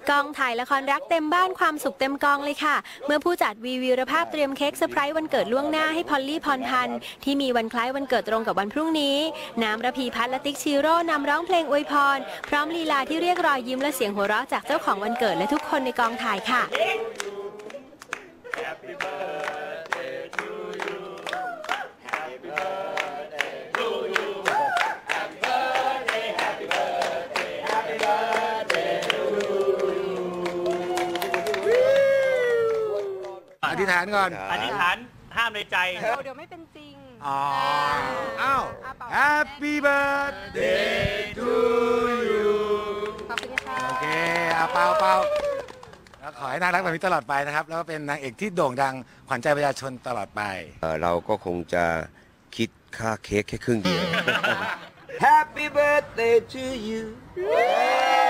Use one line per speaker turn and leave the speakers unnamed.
กองถ่ายละครรักเต็มบ้านความสุขเต็มกองเลยค่ะเมื่อผู้จัดวีรภาพเตรียมเค้กเซอร์ไพรส์วันเกิดล่วงหน้าให้พอลลี่พรพันธ์ที่มีวันคล้ายวันเกิดตรงกับวันพรุ่งนี้น้ำระพีพัฒน์และติ๊กชิโร่นำร้องเพลงอวยพรพร้อมลีลาที่เรียกรอยยิ้มและเสียงหัวเราะจากเจ้าของวันเกิดและทุกคนในกองถ่ายค่ะ
อธิษฐานก่อน
อธิษฐานห้ามในใจ
เดี๋ยวไม่เป็นจริง
อ้าว Happy birthday to you
ขอบคุณค่ะ
โอเคเป่าแล้วขอให้น่ารักแบบนี้ตลอดไปนะครับแล้วก็เป็นนางเอกที่โด่งดังขวัญใจประชาชนตลอดไป
เราก็คงจะคิดค่าเค้กแค่ครึ่งเดียว Happy birthday to you